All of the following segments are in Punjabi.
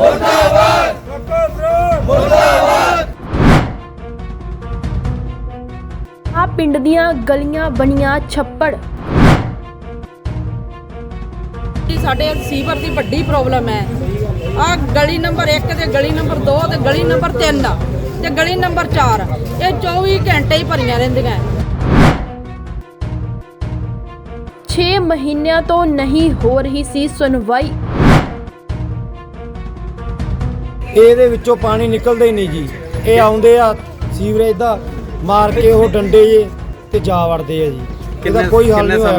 ਮੁਰਦਾਬਾਦ ਮੁਰਦਾਬਾਦ। ਆ ਪਿੰਡ ਦੀਆਂ ਗਲੀਆਂ ਬਣੀਆਂ ਛੱਪੜ। ਸਾਡੇ ਸੀਵਰ ਦੀ ਵੱਡੀ ਪ੍ਰੋਬਲਮ ਹੈ। ਆ ਗਲੀ ਨੰਬਰ 1 ਤੇ ਗਲੀ ਨੰਬਰ 2 ਤੇ ਗਲੀ ਨੰਬਰ 3 ਤੇ ਗਲੀ ਨੰਬਰ 4 ਇਹ 24 ਘੰਟੇ ਹੀ ਭਰੀਆਂ ਰਹਿੰਦੀਆਂ। 6 ਮਹੀਨਿਆਂ ਤੋਂ ਨਹੀਂ ਹੋ ਰਹੀ ਸੀ ਸੁਣਵਾਈ। ਇਹਦੇ ਵਿੱਚੋਂ ਪਾਣੀ ਨਿਕਲਦਾ ਹੀ ਨਹੀਂ ਜੀ। ਇਹ ਆਉਂਦੇ ਆ ਸੀਵਰੇਜ ਦਾ ਮਾਰ ਕੇ ਉਹ ਡੰਡੇ ਜੇ ਤੇ ਜਾ ਵੜਦੇ ਆ ਜੀ। ਇਹਦਾ ਕੋਈ ਹੱਲ ਨਹੀਂ ਹੋਇਆ।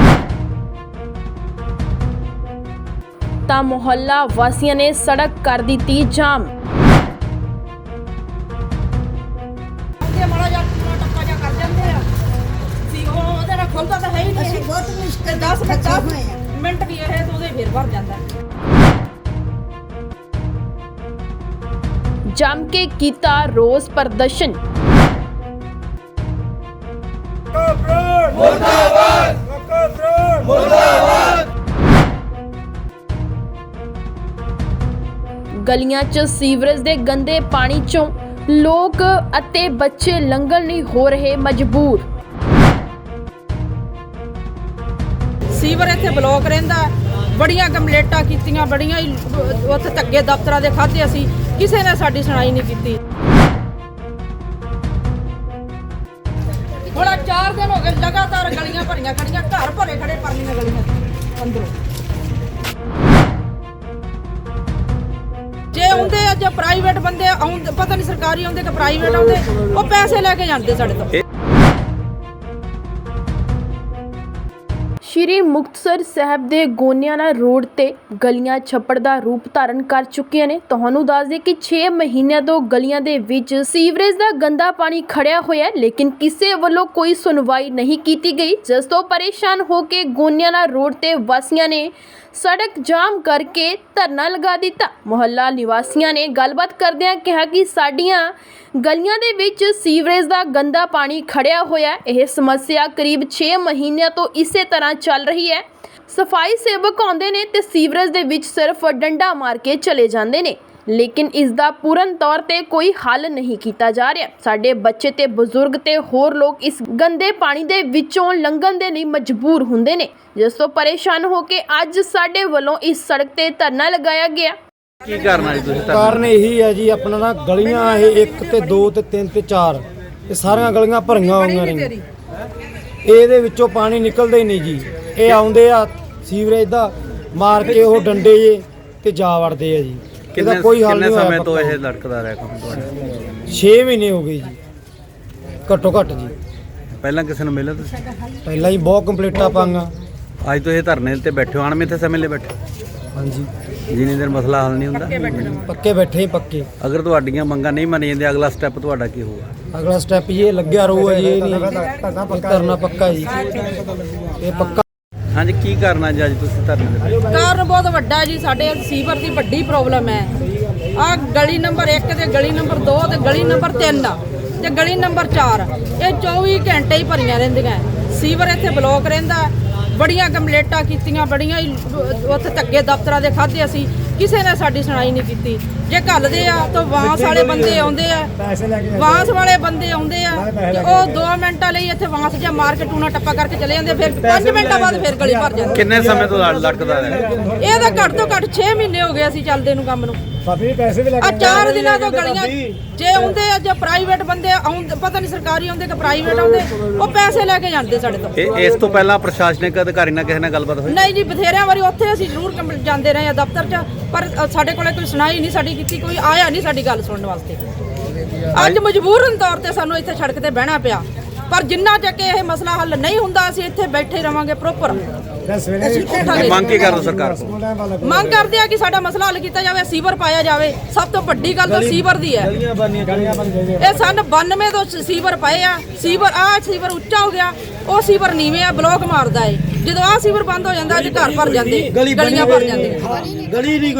ਤਾਂ ਮੁਹੱਲਾ ਵਾਸੀਆਂ ਨੇ ਸੜਕ ਕਰ ਦਿੱਤੀ ਜਾਮ। ਮਾੜਾ ਜਿਹਾ ਟੱਕਾ ਜਿਹਾ ਕਰ ਜਾਂਦੇ ਆ ਸੀ ਉਹ ਉਹਦੇ ਨਾਲ ਖੁੱਲਦਾ ਤਾਂ ਹੈ ਹੀ ਨਹੀਂ। ਬਹੁਤ ਮੁਸ਼ਕਿਲ 10 ਮਿੰਟ ਵੀ ਇਹ ਤਾਂ ਉਹਦੇ ਫੇਰ ਭਰ ਜਾਂਦਾ। ਜੰਮ ਕੇ ਕੀਤਾ ਰੋਸ ਪ੍ਰਦਰਸ਼ਨ। ਮੁਰਦਾਬਾਦ ਮੁਰਦਾਬਾਦ। ਗਲੀਆਂ 'ਚ ਸੀਵਰੇਜ ਦੇ ਗੰਦੇ ਪਾਣੀ 'ਚੋਂ ਲੋਕ ਅਤੇ ਬੱਚੇ ਲੰਘਣ ਲਈ ਹੋ ਰਹੇ ਮਜਬੂਰ। ਸੀਵਰ ਇੱਥੇ ਬਲੌਕ ਰਹਿੰਦਾ। ਬੜੀਆਂ ਕੰਪਲੇਂਟਾਂ ਕੀਤੀਆਂ, ਬੜੀਆਂ ਹੀ ਉੱਥੇ ਧੱਕੇ ਦਫ਼ਤਰਾਂ ਦੇ ਖਾਧੇ ਅਸੀਂ, ਕਿਸੇ ਨੇ ਸਾਡੀ ਸੁਣਾਈ ਨਹੀਂ ਕੀਤੀ। ਹੁਣ 4 ਦਿਨ ਹੋ ਗਏ ਲਗਾਤਾਰ ਗਲੀਆਂ ਭਰੀਆਂ ਖੜੀਆਂ, ਘਰ ਭਰੇ ਖੜੇ ਪਰਲੀਆਂ ਗਲੀਆਂ ਅੰਦਰੋਂ। ਜੇ ਆਉਂਦੇ ਆ ਜੇ ਪ੍ਰਾਈਵੇਟ ਬੰਦੇ ਆਉਂਦੇ, ਪਤਾ ਨਹੀਂ ਸਰਕਾਰੀ ਆਉਂਦੇ ਕਿ ਪ੍ਰਾਈਵੇਟ ਆਉਂਦੇ, ਉਹ ਪੈਸੇ ਲੈ ਕੇ ਜਾਂਦੇ ਸਾਡੇ ਤੋਂ। ਸ਼੍ਰੀ ਮੁਕਤਸਰ ਸਾਹਿਬ ਦੇ ਗੋਨਿਆਣਾ ਰੋਡ ਤੇ ਗਲੀਆਂ ਛੱਪੜ ਦਾ ਰੂਪ ਧਾਰਨ ਕਰ ਚੁੱਕੀਆਂ ਨੇ। ਤੁਹਾਨੂੰ ਦੱਸ ਦੇ ਕਿ 6 ਮਹੀਨਿਆਂ ਤੋਂ ਗਲੀਆਂ ਦੇ ਵਿੱਚ ਸੀਵਰੇਜ ਦਾ ਗੰਦਾ ਪਾਣੀ ਖੜਿਆ ਹੋਇਆ ਹੈ, ਲੇਕਿਨ ਕਿਸੇ ਵੱਲੋਂ ਕੋਈ ਸੁਣਵਾਈ ਨਹੀਂ ਕੀਤੀ ਗਈ, ਜਿਸ ਤੋਂ ਪਰੇਸ਼ਾਨ ਹੋ ਕੇ ਗੋਨਿਆਣਾ ਰੋਡ ਤੇ ਵਾਸੀਆਂ ਨੇ ਸੜਕ ਜਾਮ ਕਰਕੇ ਧਰਨਾ ਲਗਾ ਦਿੱਤਾ। ਮੁਹੱਲਾ ਨਿਵਾਸੀਆਂ ਨੇ ਗੱਲਬਾਤ ਕਰਦਿਆਂ ਕਿਹਾ ਕਿ ਸਾਡੀਆਂ ਗਲੀਆਂ ਦੇ ਵਿੱਚ ਸੀਵਰੇਜ ਦਾ ਗੰਦਾ ਪਾਣੀ ਖੜਿਆ ਹੋਇਆ ਹੈ। ਇਹ ਸਮੱਸਿਆ ਕਰੀਬ 6 ਮਹੀਨਿਆਂ ਤੋਂ ਇਸੇ ਤਰ੍ਹਾਂ ਚੱਲ ਰਹੀ ਹੈ। ਸਫਾਈ ਸੇਵਕ ਆਉਂਦੇ ਨੇ ਤੇ ਸੀਵਰੇਜ ਦੇ ਵਿੱਚ ਸਿਰਫ ਡੰਡਾ ਮਾਰ ਕੇ ਚਲੇ ਜਾਂਦੇ ਨੇ, ਲੇਕਿਨ ਇਸ ਦਾ ਪੂਰਨ ਤੌਰ ਤੇ ਕੋਈ ਹੱਲ ਨਹੀਂ ਕੀਤਾ ਜਾ ਰਿਹਾ। ਸਾਡੇ ਬੱਚੇ ਤੇ ਬਜ਼ੁਰਗ ਤੇ ਹੋਰ ਲੋਕ ਇਸ ਗੰਦੇ ਪਾਣੀ ਦੇ ਵਿੱਚੋਂ ਲੰਘਣ ਦੇ ਲਈ ਮਜਬੂਰ ਹੁੰਦੇ ਨੇ, ਜਿਸ ਤੋਂ ਪਰੇਸ਼ਾਨ ਹੋ ਕੇ ਅੱਜ ਸਾਡੇ ਵੱਲੋਂ ਇਸ ਸੜਕ ਤੇ ਧਰਨਾ ਲਗਾਇਆ ਗਿਆ। ਕੀ ਕਰਨਾ ਜੀ ਤੁਸੀਂ? ਕਾਰਨ ਇਹੀ ਹੈ ਜੀ, ਆਪਣਾ ਨਾ ਗਲੀਆਂ ਇਹ 1 ਤੇ 2 ਤੇ 3 ਤੇ 4 ਇਹ ਸਾਰੀਆਂ ਗਲੀਆਂ ਭਰੀਆਂ ਹੋਈਆਂ ਨੇ। ਇਹਦੇ ਵਿੱਚੋਂ ਪਾਣੀ ਨਿਕਲਦਾ ਹੀ ਨਹੀਂ ਜੀ। ਇਹ ਆਉਂਦੇ ਆ ਸੀਵਰੇਜ ਦਾ ਮਾਰ ਕੇ ਉਹ ਡੰਡੇ ਜੇ ਤੇ ਜਾ ਵੜਦੇ ਆ ਜੀ। ਇਹਦਾ ਕੋਈ ਹੱਲ ਨਹੀਂ ਹੋਇਆ। ਕਿੰਨੇ ਸਮੇਂ ਤੋਂ ਇਹ ਲੜਕਦਾ ਰਿਹਾ ਕੰਮ ਤੁਹਾਡਾ? 6 ਮਹੀਨੇ ਹੋ ਗਏ ਜੀ ਘੱਟੋ ਘੱਟ ਜੀ। ਪਹਿਲਾਂ ਕਿਸੇ ਨੂੰ ਮਿਲਿਆ ਤੁਸੀਂ? ਪਹਿਲਾਂ ਹੀ ਬਹੁਤ ਕੰਪਲੀਟਾਂ ਪਾਈਆਂ। ਅੱਜ ਤੋਂ ਇਹ ਧਰਨੇ ਤੇ ਬੈਠੇ ਹੋ, ਅਣਮਿੱਥੇ ਸਮੇਂ ਲਈ ਬੈਠੇ? ਹਾਂਜੀ, ਜਿੰਨੀ ਦੇਰ ਮਸਲਾ ਹੱਲ ਨਹੀਂ ਹੁੰਦਾ ਪੱਕੇ ਬੈਠੇ ਹੀ ਪੱਕੇ। ਅਗਰ ਤੁਹਾਡੀਆਂ ਮੰਗਾਂ ਨਹੀਂ ਮੰਨੀਆਂ ਜਾਂਦੀਆਂ, ਅਗਲਾ ਸਟੈਪ ਤੁਹਾਡਾ ਕੀ ਹੋਊਗਾ? ਅਗਲਾ ਸਟੈਪ ਇਹ ਲੱਗਿਆ ਰਹੂਗਾ ਜੀ। ਇਹ ਨਹੀਂ ਕਰਨਾ ਪੱਕਾ ਜੀ, ਇਹ ਪੱਕਾ। ਹਾਂਜੀ, ਕੀ ਕਰਨਾ ਜੀ ਅੱਜ ਤੁਸੀਂ ਧਰਨੇ ਤੇ? ਕਾਰਨ ਬਹੁਤ ਵੱਡਾ ਹੈ ਜੀ। ਸਾਡੇ ਸੀਵਰ ਦੀ ਵੱਡੀ ਪ੍ਰੋਬਲਮ ਹੈ। ਆ ਗਲੀ ਨੰਬਰ 1 ਤੇ ਗਲੀ ਨੰਬਰ 2 ਤੇ ਗਲੀ ਨੰਬਰ 3 ਤੇ ਗਲੀ ਨੰਬਰ 4 ਇਹ 24 ਘੰਟੇ ਹੀ ਭਰੀਆਂ ਰਹਿੰਦੀਆਂ। ਸੀਵਰ ਇੱਥੇ ਬਲੌਕ ਰਹਿੰਦਾ। ਬੜੀਆਂ ਕੰਪਲੇਂਟਾਂ ਕੀਤੀਆਂ, ਬੜੀਆਂ ਹੀ ਉੱਥੇ ਧੱਕੇ ਦਫ਼ਤਰਾਂ ਦੇ ਖਾਧੇ ਅਸੀਂ, ਕਿਸੇ ਨੇ ਸਾਡੀ ਸੁਣਾਈ ਨਹੀਂ ਕੀਤੀ। ਜੇ ਘੱਲਦੇ ਆ ਤਾਂ ਵਾਂਸ ਵਾਲੇ ਬੰਦੇ ਆਉਂਦੇ ਆ, ਵਾਂਸ ਵਾਲੇ ਬੰਦੇ ਆਉਂਦੇ ਆ ਤੇ ਉਹ 2 ਮਿੰਟਾਂ ਲਈ ਇੱਥੇ ਵਾਂਸ ਜਿਹਾ ਮਾਰ ਕੇ ਟੂਣਾ ਟੱਪਾ ਕਰਕੇ ਚਲੇ ਜਾਂਦੇ, ਫਿਰ 5 ਮਿੰਟਾਂ ਬਾਅਦ ਫਿਰ ਗਲੀ ਭਰ ਜਾਂਦੀ। ਕਿੰਨੇ ਸਮੇਂ ਤੋਂ ਲੜਕਦਾ ਰਿਹਾ? ਇਹ ਤਾਂ ਘੱਟ ਤੋਂ ਘੱਟ 6 ਮਹੀਨੇ ਹੋ ਗਏ ਅਸੀਂ ਚੱਲਦੇ ਨੂੰ ਕੰਮ ਨੂੰ। ਆ 4 ਦਿਨਾਂ ਤੋਂ ਗਲੀਆਂ ਜੇ ਆਉਂਦੇ ਆ ਜੇ ਪ੍ਰਾਈਵੇਟ ਬੰਦੇ ਆਉਂਦੇ, ਪਤਾ ਨਹੀਂ ਸਰਕਾਰੀ ਆਉਂਦੇ ਕਿ ਪ੍ਰਾਈਵੇਟ ਆਉਂਦੇ, ਉਹ ਪੈਸੇ ਲੈ ਕੇ ਜਾਂਦੇ ਸਾਡੇ ਤੋਂ। ਇਸ ਤੋਂ ਪਹਿਲਾਂ ਪ੍ਰਸ਼ਾਸਨਿਕ ਅਧਿਕਾਰੀ ਨਾਲ ਕਿਸੇ ਨਾਲ ਗੱਲਬਾਤ ਹੋਈ? ਨਹੀਂ ਜੀ, ਬਥੇਰਿਆਂ ਵਾਰੀ ਉੱਥੇ ਅਸੀਂ ਜ਼ਰੂਰ ਜਾਂਦੇ ਰਹੇ ਆ ਦਫ਼ਤਰ 'ਚ, ਪਰ ਸਾਡੇ ਕੋਲੇ ਕੋਈ ਸੁਣਾਈ ਨਹੀਂ ਸਾਡੀ ਕੀਤੀ, ਕੋਈ ਆਇਆ ਨਹੀਂ ਸਾਡੀ ਗੱਲ ਸੁਣਨ ਵਾਸਤੇ। ਅੱਜ ਮਜਬੂਰਨ ਤੌਰ ਤੇ ਸਾਨੂੰ ਇੱਥੇ ਸੜਕ ਤੇ ਬਹਿਣਾ ਪਿਆ, ਪਰ ਜਿੰਨਾ ਚੱਕ ਇਹ ਮਸਲਾ ਹੱਲ ਨਹੀਂ ਹੁੰਦਾ ਅਸੀਂ ਇੱਥੇ ਬੈਠੇ ਰਵਾਂਗੇ ਪ੍ਰੋਪਰ। ਮੰਗ ਕੀ ਕਰਦੇ ਸਰਕਾਰ ਕੋਲ? ਮੰਗ ਕਰਦੇ ਆ ਕਿ ਸਾਡਾ ਮਸਲਾ ਹੱਲ ਕੀਤਾ ਜਾਵੇ, ਸੀਵਰ ਪਾਇਆ ਜਾਵੇ। ਸਭ ਤੋਂ ਵੱਡੀ ਗੱਲ ਤਾਂ ਸੀਵਰ ਦੀ ਹੈ। ਇਹ ਸਨ 92 ਤੋਂ ਸੀਵਰ ਪਏ ਆ। ਸੀਵਰ ਉੱਚਾ ਹੋ ਗਿਆ, ਉਹ ਸੀਵਰ ਨੀਵੇਂ ਆ, ਬਲੌਕ ਮਾਰਦਾ ਏ। ਜਦੋਂ ਆਹ ਸੀਵਰ ਬੰਦ ਹੋ ਜਾਂਦਾ ਅੱਜ ਘਰ ਭਰ ਜਾਂਦੇ, ਗਲੀਆਂ ਭਰ ਜਾਂਦੀਆਂ।